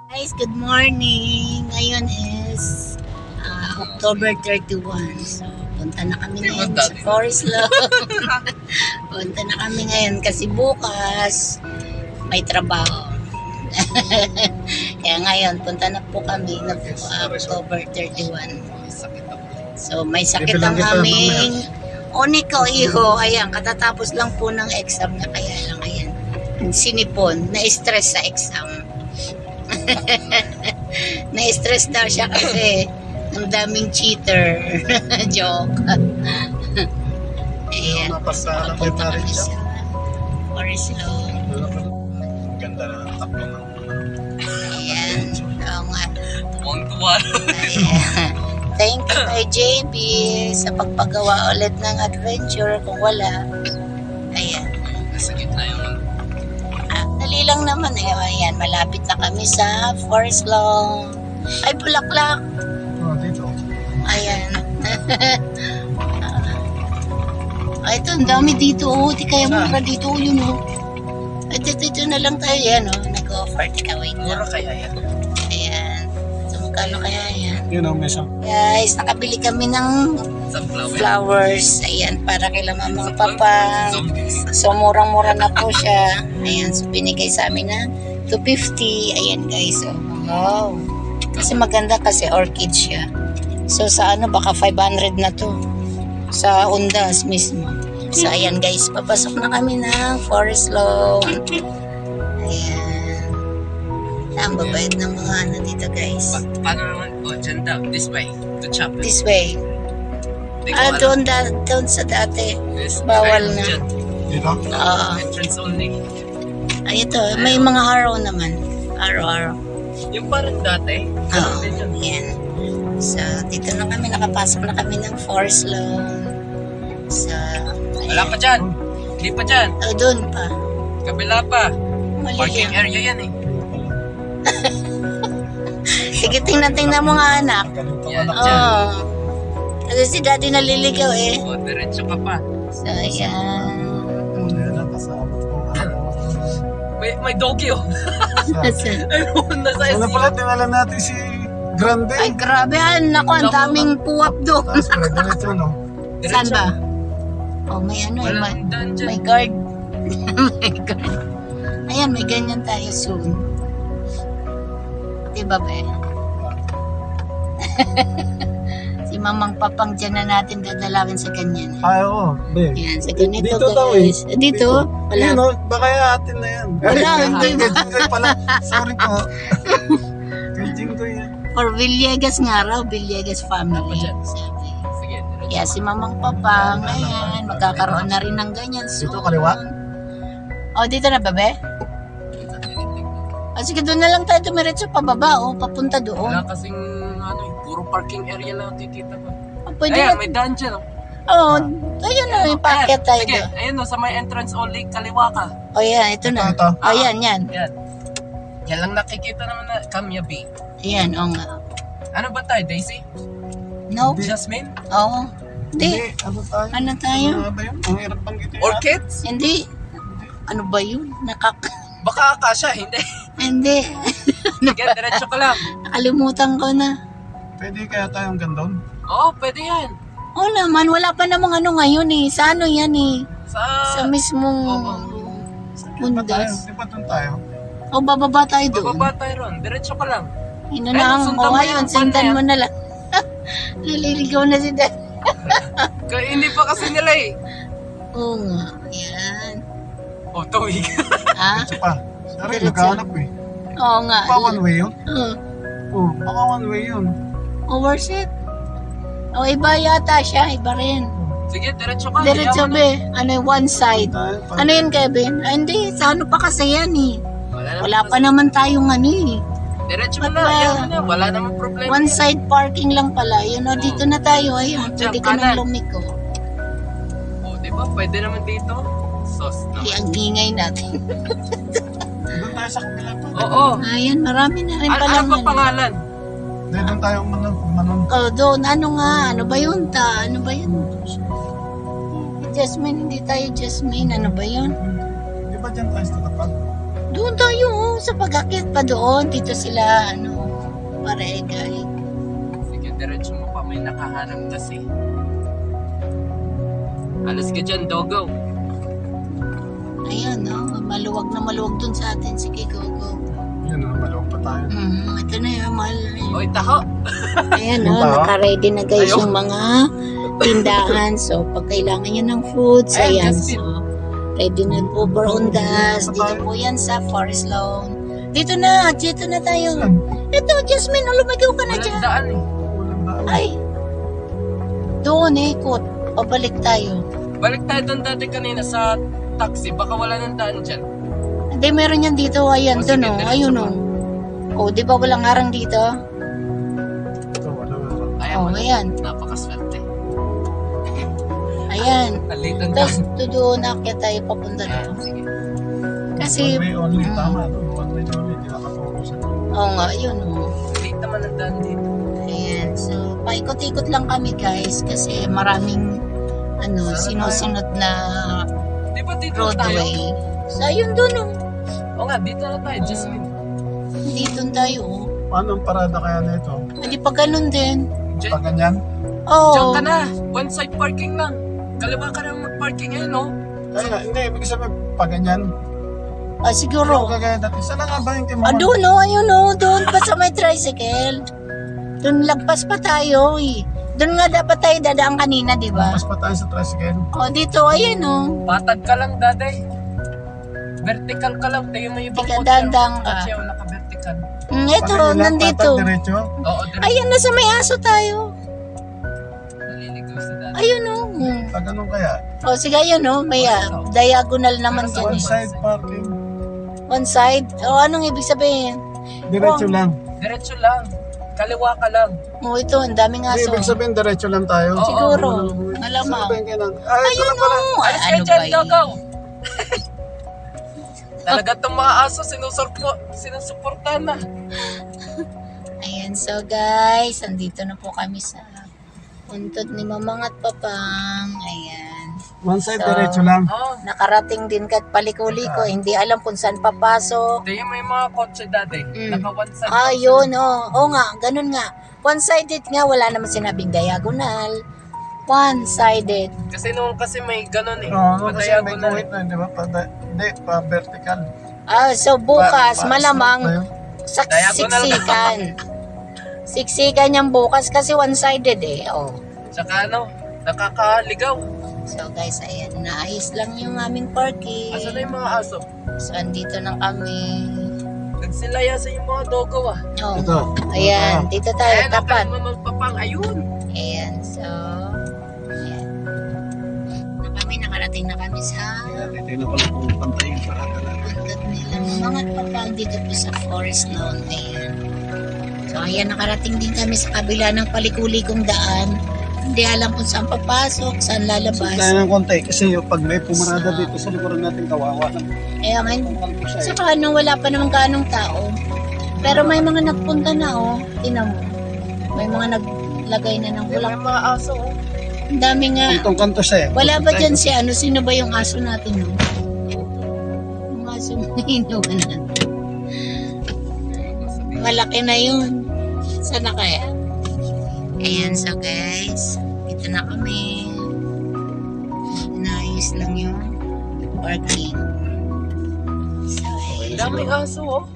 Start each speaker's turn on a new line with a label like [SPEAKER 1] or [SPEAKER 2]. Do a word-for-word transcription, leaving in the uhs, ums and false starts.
[SPEAKER 1] Guys, good morning. Ngayon is uh, October thirty-first. So, punta na kami ngayon sa Forest Lawn. Punta na kami ngayon kasi bukas may trabaho. Kaya ngayon, punta na po kami na po, uh, October thirty-first. So, may sakit ang aming Oniko, iho. Ayan, katatapos lang po ng exam na kaya lang. Ayan, sinipon, na-stress sa exam. Na-stress daw siya kasi ang daming cheater. Joke. Ayan, punta kami sa Forest Lawn.
[SPEAKER 2] Ang ganda na ng takbo ng
[SPEAKER 1] Ayan, oo nga.
[SPEAKER 2] tuwang-tuwa.
[SPEAKER 1] Ayan. Thank you kay J B sa pagpagawa ulit ng adventure kung wala. Ayan.
[SPEAKER 2] Nasa gitna yung
[SPEAKER 1] Ah, dali lang naman eh. Ayan, malapit na kami sa Forest Lawn. Ay, bulaklak.
[SPEAKER 2] oh, dito.
[SPEAKER 1] Ayan. Ay, ito, ang dami dito. Oh, di kaya mura dito. Oh, yun oh. Ay, dito, dito na lang tayo. Yan oh, nag-offer. Tika, wait
[SPEAKER 2] Mura
[SPEAKER 1] lang.
[SPEAKER 2] kaya yan.
[SPEAKER 1] Ayan. So, magkano kaya yan?
[SPEAKER 2] Yun ang mesa.
[SPEAKER 1] Guys, nakabili kami ng
[SPEAKER 2] Sunflower.
[SPEAKER 1] flowers. Ayan, para kay Mama Papa. So, murang-mura na po siya. Ayan, so binigay sa amin na two fifty. Ayan, guys. So, wow. Kasi maganda kasi orchid siya. So, sa ano, baka five hundred na to. Sa Undas mismo. So, ayan, guys. Papasok na kami ng Forest Lawn. Ayan. Ang babayad ng mga ano dito, guys.
[SPEAKER 2] Pa- paano naman? Oh, dyan daw. This way. To chapel.
[SPEAKER 1] This way.
[SPEAKER 2] Di ko
[SPEAKER 1] Ah,
[SPEAKER 2] alam.
[SPEAKER 1] doon, da, doon sa dati.
[SPEAKER 2] This-
[SPEAKER 1] bawal
[SPEAKER 2] Ay,
[SPEAKER 1] na.
[SPEAKER 2] dyan.
[SPEAKER 3] Dito?
[SPEAKER 1] Oo.
[SPEAKER 2] Entrance only.
[SPEAKER 1] Ay, ito. May mga arrow naman. Arrow-arrow.
[SPEAKER 2] Yung parang dati.
[SPEAKER 1] Oo.
[SPEAKER 2] Ganun din yun.
[SPEAKER 1] Yan. So, dito na kami. Nakapasok na kami ng Forest Lawn. So,
[SPEAKER 2] Wala pa dyan. Hindi pa dyan.
[SPEAKER 1] oh, doon pa.
[SPEAKER 2] Kabila pa.
[SPEAKER 1] Mali
[SPEAKER 2] Parking
[SPEAKER 1] yan.
[SPEAKER 2] area yan eh.
[SPEAKER 1] Sige, tingnan-tingnan mo nga, anak.
[SPEAKER 3] Ganito
[SPEAKER 2] Yan,
[SPEAKER 3] anak.
[SPEAKER 2] dyan.
[SPEAKER 1] Oo. Kasi si daddy naliligaw eh.
[SPEAKER 2] O, diretso ka pa.
[SPEAKER 1] So, ayan.
[SPEAKER 3] Yan ang kasama ko.
[SPEAKER 2] May, may doggy oh.
[SPEAKER 1] Nasa-
[SPEAKER 2] Ayun, nasa
[SPEAKER 3] Ano
[SPEAKER 2] S
[SPEAKER 3] pala, tinala natin si Grande.
[SPEAKER 1] Ay, grabe. Ah, naku, ang daming puwap doon.
[SPEAKER 3] Tapos pala, diretso, no?
[SPEAKER 1] Saan ba? Oh, may ano eh. May,
[SPEAKER 2] Walang daan dyan.
[SPEAKER 1] may guard. May guard. Ayan, may ganyan tayo soon. Diba ba? Si Mamang Papang dyan na natin dadalawin sa ganyan.
[SPEAKER 3] Ay, oo. Be.
[SPEAKER 1] Ayan, sa ganito
[SPEAKER 3] Dito daw eh.
[SPEAKER 1] guys. Dito? Wala.
[SPEAKER 3] Yun, no? Baka atin na yan.
[SPEAKER 1] Wala, hindi ba?
[SPEAKER 3] Kay Jinggoy pala. Sorry po. Kay Jinggoy yan.
[SPEAKER 1] For Villegas nga raw, Villegas family.
[SPEAKER 2] dyan.
[SPEAKER 1] Sabi.
[SPEAKER 2] Sige, diretso.
[SPEAKER 1] Kaya si Mamang Papang, ayan, magkakaroon na rin ng ganyan soon.
[SPEAKER 3] Dito, kaliwa?
[SPEAKER 1] Oh, dito na ba, be? Ah, sige, doon na lang tayo tumiretso pababa, oh, papunta doon.
[SPEAKER 2] Wala kasing ano, eh, puro parking area lang titita ko.
[SPEAKER 1] Ah, pwede
[SPEAKER 2] Ayan,
[SPEAKER 1] na.
[SPEAKER 2] may daan dyan oh.
[SPEAKER 1] Oh, ayun na, yung packet tayo
[SPEAKER 2] Sige,
[SPEAKER 1] doon.
[SPEAKER 2] ayun oh, sa may entrance only, kaliwa ka.
[SPEAKER 1] Oh, yan, ito na.
[SPEAKER 3] Ito, ito.
[SPEAKER 1] Oh, yan, yan.
[SPEAKER 2] Yan. Yan lang nakikita naman na Kamya Bay.
[SPEAKER 1] Yan, oh nga.
[SPEAKER 2] Ano ba tayo, Daisy?
[SPEAKER 1] No?
[SPEAKER 2] Jasmine?
[SPEAKER 1] Oo. Hindi.
[SPEAKER 3] Hindi, ano tayo?
[SPEAKER 1] Ano tayo?
[SPEAKER 3] Ano ba yun? Ang hirap bang gito.
[SPEAKER 2] Orchids?
[SPEAKER 1] Hindi. Ano ba yun? Nakak...
[SPEAKER 2] Baka akasya, hindi.
[SPEAKER 1] Hindi.
[SPEAKER 2] Sige, diretso ka lang.
[SPEAKER 1] Nakalimutan ko na.
[SPEAKER 3] Pwede kaya tayong gandon?
[SPEAKER 2] Oo, pwede yan.
[SPEAKER 1] Oo naman, wala pa namang ano ngayon eh. Sa ano yan eh?
[SPEAKER 2] Sa...
[SPEAKER 1] Sa mismong
[SPEAKER 2] Oo.
[SPEAKER 3] Di ba tayo?
[SPEAKER 1] bundas.
[SPEAKER 3] Di ba doon tayo?
[SPEAKER 1] O, bababa tayo doon.
[SPEAKER 2] Bababa tayo ron. Diretso ka lang.
[SPEAKER 1] Ino
[SPEAKER 2] Ayun,
[SPEAKER 1] na ang...
[SPEAKER 2] sundan
[SPEAKER 1] O,
[SPEAKER 2] mo
[SPEAKER 1] ayun,
[SPEAKER 2] yung
[SPEAKER 1] sundan
[SPEAKER 2] van na
[SPEAKER 1] mo na lang. Naliligaw na si Dad.
[SPEAKER 2] Kaya hindi pa kasi nila eh.
[SPEAKER 1] Oo nga. Yan.
[SPEAKER 2] Oh, tawig.
[SPEAKER 1] Ha?
[SPEAKER 3] Diretso pa. Sorry,
[SPEAKER 1] Diretso.
[SPEAKER 3] naghahanap eh.
[SPEAKER 1] Oo nga.
[SPEAKER 3] Baka one way yun?
[SPEAKER 1] Oo.
[SPEAKER 3] Oo, baka one way yun.
[SPEAKER 1] Oh, worth it. O, iba yata siya. Iba rin.
[SPEAKER 2] Sige, diretso ka.
[SPEAKER 1] Diretso,
[SPEAKER 2] Hayaan mo na.
[SPEAKER 1] be. Ano yung one side?
[SPEAKER 3] Tayo, pa-
[SPEAKER 1] Ano yun, Kevin? Ah, hindi. Sa ano pa kasi yan eh.
[SPEAKER 2] Wala,
[SPEAKER 1] Wala pa naman tayong ano eh.
[SPEAKER 2] Diretso mo
[SPEAKER 1] Ba't
[SPEAKER 2] na.
[SPEAKER 1] ba?
[SPEAKER 2] Hayaan mo na. Wala namang problema.
[SPEAKER 1] One side parking lang pala. Yun o, dito na tayo. Ayun,
[SPEAKER 2] Diyan,
[SPEAKER 1] pwede ka nang
[SPEAKER 2] kanan.
[SPEAKER 1] lumiko.
[SPEAKER 2] Oh, di ba? Pwede naman dito. Sos
[SPEAKER 1] Ay,
[SPEAKER 2] naman.
[SPEAKER 1] ang ingay natin.
[SPEAKER 3] Doon tayo sa kabila pa.
[SPEAKER 2] Oo.
[SPEAKER 1] Ayan, marami na rin
[SPEAKER 2] Ano,
[SPEAKER 1] pala.
[SPEAKER 2] ano ba pangalan?
[SPEAKER 3] Hindi, doon tayo manon. manon.
[SPEAKER 1] Oh, doon. Ano nga? Ano ba yun ta? Ano ba yun? Jasmine, hindi tayo Jasmine. Ano ba yun?
[SPEAKER 3] Di ba dyan tayo sa tapat?
[SPEAKER 1] Doon tayo, oh, sa pag-akyat pa doon. Dito sila, ano, paregay.
[SPEAKER 2] Sige, diretso mo pa. May nakaharap kasi. Alas ka dyan, dogo.
[SPEAKER 1] Ayan, no? Maluwag na maluwag dun sa atin. Sige, go, go.
[SPEAKER 3] Yun na, malawag pa tayo.
[SPEAKER 1] Mm, ito na yun, mahal na yun.
[SPEAKER 2] Oy, taho.
[SPEAKER 1] Ayan,
[SPEAKER 3] Yung
[SPEAKER 1] no?
[SPEAKER 3] tao?
[SPEAKER 1] Naka-ready na guys
[SPEAKER 2] Ayaw.
[SPEAKER 1] yung mga tindahan. So, pag kailangan nyo ng foods,
[SPEAKER 2] Ayan,
[SPEAKER 1] ayan.
[SPEAKER 2] Justin.
[SPEAKER 1] So, ready na po Barondas. Dito po yan sa Forest Lawn. Dito na, dito na tayo.
[SPEAKER 3] Saan?
[SPEAKER 1] Ito, Jasmine, oh, lumigaw ka na
[SPEAKER 2] Walang
[SPEAKER 1] dyan.
[SPEAKER 2] daan eh.
[SPEAKER 3] Walang daan.
[SPEAKER 1] Ay, doon eh, ikot. Pabalik tayo.
[SPEAKER 2] Balik tayo doon dati kanina sa taxi. Baka wala ng daan dyan.
[SPEAKER 1] Hindi, meron yan dito. Ayan,
[SPEAKER 2] O,
[SPEAKER 1] doon
[SPEAKER 2] sige,
[SPEAKER 1] oh.
[SPEAKER 2] diretso
[SPEAKER 1] Ayun
[SPEAKER 2] mo.
[SPEAKER 1] oh. Oh, di ba walang harang dito?
[SPEAKER 3] Ito, wala na.
[SPEAKER 2] Ayan,
[SPEAKER 1] Oh,
[SPEAKER 2] wala.
[SPEAKER 1] ayan.
[SPEAKER 2] Napakaswerte.
[SPEAKER 1] Ayan.
[SPEAKER 2] Alitan na.
[SPEAKER 1] Tapos, doon akyat tayo papunta
[SPEAKER 2] Ah,
[SPEAKER 1] doon.
[SPEAKER 2] sige.
[SPEAKER 1] Kasi,
[SPEAKER 3] One way only,
[SPEAKER 1] Mm.
[SPEAKER 3] tama. no? One way only, hindi nakafocus.
[SPEAKER 1] oo nga, yun oh.
[SPEAKER 2] Late naman ang daan dito.
[SPEAKER 1] Ayan. So, paikot-ikot lang kami guys kasi maraming ano, sinusunod na
[SPEAKER 2] Di ba dito na tayo?
[SPEAKER 1] roadway. So, ayun doon oh.
[SPEAKER 2] Oo nga, dito na tayo, Jasmine.
[SPEAKER 1] Dito tayo oh.
[SPEAKER 3] Paano ang parada kaya nito?
[SPEAKER 1] Hindi pa ganun din.
[SPEAKER 2] Diyan,
[SPEAKER 3] Pag ganyan?
[SPEAKER 1] Oo.
[SPEAKER 2] diyan ka na. One side parking lang. Kaliwa ka na mag-parking ngayon, no?
[SPEAKER 3] Kaya nga, hindi, ibig sabihin, pag ganyan.
[SPEAKER 1] Ah,
[SPEAKER 3] Pero
[SPEAKER 1] siguro.
[SPEAKER 3] kagaya dati, saan na nga ba yung
[SPEAKER 1] Ah,
[SPEAKER 3] timaman?
[SPEAKER 1] doon oh, ayun oh, doon pa sa may tricycle. Doon lagpas pa tayo eh. Doon nga dapat tayo dadaan kanina, di ba?
[SPEAKER 3] Mas pa tayo sa tricycle.
[SPEAKER 1] Oh, dito, ayun oh.
[SPEAKER 2] Patag ka lang, daday. Vertical ka lang. Tingin mo yung ibang
[SPEAKER 1] Tika,
[SPEAKER 2] kotse.
[SPEAKER 1] dandang ka.
[SPEAKER 2] Kotse, oh, naka-vertical.
[SPEAKER 1] Mm, ito,
[SPEAKER 3] Pag ganyan lang,
[SPEAKER 1] nandito.
[SPEAKER 3] tatag diretso.
[SPEAKER 2] Oo, diretso.
[SPEAKER 1] Ayun, nasa may aso tayo.
[SPEAKER 2] Naliligaw sa dati.
[SPEAKER 1] Ayun oh. Mm.
[SPEAKER 3] Pag ganun kaya?
[SPEAKER 1] Oh, sige, ayun oh. May ah, diagonal naman dyan
[SPEAKER 3] One
[SPEAKER 1] eh.
[SPEAKER 3] side parking.
[SPEAKER 1] One side? Oh, anong ibig sabihin?
[SPEAKER 3] Diretso
[SPEAKER 1] Oh.
[SPEAKER 3] lang.
[SPEAKER 2] Diretso lang. Kaliwa ka lang.
[SPEAKER 1] Oh, ito, ang daming
[SPEAKER 3] Hindi,
[SPEAKER 1] aso.
[SPEAKER 3] ibig sabihin, diretso lang tayo.
[SPEAKER 2] Oo.
[SPEAKER 1] Siguro.
[SPEAKER 3] Saan
[SPEAKER 1] Malamang.
[SPEAKER 3] ba yung kainan? Ay, ito
[SPEAKER 1] Ayun
[SPEAKER 3] na pala.
[SPEAKER 1] oh. Ay,
[SPEAKER 2] Alis ka
[SPEAKER 1] ano
[SPEAKER 2] dyan,
[SPEAKER 1] ba
[SPEAKER 2] Dogo.
[SPEAKER 1] yun?
[SPEAKER 2] Talaga itong mga aso, sinusurpo, sinusuportahan na.
[SPEAKER 1] Ayan, so guys, andito na po kami sa puntod ni Mamang at Papang. Ayan.
[SPEAKER 3] One side,
[SPEAKER 1] So,
[SPEAKER 3] diretso lang.
[SPEAKER 2] Oo.
[SPEAKER 1] Nakarating din kat paliko-liko. Hindi alam kung saan papasok.
[SPEAKER 2] Tingin mo yung mga kotse dati.
[SPEAKER 1] Mm.
[SPEAKER 2] Naka one side.
[SPEAKER 1] Ah, yun, oh. Oo nga, ganun nga. One-sided nga, wala naman sinabing diagonal. One-sided.
[SPEAKER 2] Kasi nung kasi may ganun eh.
[SPEAKER 3] Oo, kasi may
[SPEAKER 2] Padayagonal.
[SPEAKER 3] guhit na, di ba? Pa, hindi, pa vertical.
[SPEAKER 1] Ah, so bukas,
[SPEAKER 3] Pa- pa-
[SPEAKER 1] malamang
[SPEAKER 3] tayo.
[SPEAKER 1] sak-
[SPEAKER 2] Diagonal.
[SPEAKER 1] siksikan. Siksikan yung bukas kasi one-sided eh. Oh.
[SPEAKER 2] Tsaka ano, nakakaligaw.
[SPEAKER 1] So guys, ayan, naayos lang yung aming parking.
[SPEAKER 2] Asa na yung mga aso?
[SPEAKER 1] So, andito na kami.
[SPEAKER 2] Nagsilayasan yung mga dogo ah.
[SPEAKER 1] Oh.
[SPEAKER 3] Ito.
[SPEAKER 1] Ayan, dito tayo,
[SPEAKER 2] Ayan,
[SPEAKER 1] tapat.
[SPEAKER 2] ang magpapang. Ayun.
[SPEAKER 1] Ayan, so, ayan. Na kami, nakarating na kami sa
[SPEAKER 3] Ayan, ito na pala kung pantay yung parada natin.
[SPEAKER 1] puntod nila. Mga papag dito po sa Forest Lawn. Ayan. So, ayan, nakarating din kami sa kabila ng palikulikong daan. Hindi alam kung saan papasok, saan lalabas.
[SPEAKER 3] Kaya ng konti, kasi yung pag may pumarada dito sa likuran natin, kawawa lang.
[SPEAKER 1] Kaya ngayon,
[SPEAKER 3] Kanto siya eh.
[SPEAKER 1] saka ano, wala pa naman ganong tao. Pero may mga nagpunta na, oh. Tinan mo. May mga naglagay na ng
[SPEAKER 2] May
[SPEAKER 1] bulak.
[SPEAKER 2] mga aso oh.
[SPEAKER 1] Ang dami nga.
[SPEAKER 3] Kantong kanto siya eh.
[SPEAKER 1] Wala ba dyan si ano? Sino ba yung aso natin? No? Yung aso na inuwan natin. Malaki na yun. Sana kaya? Ayan, so guys. Ito na kami. Naayos lang yung parking. So,
[SPEAKER 2] Ang
[SPEAKER 1] ayan.
[SPEAKER 2] daming aso oh.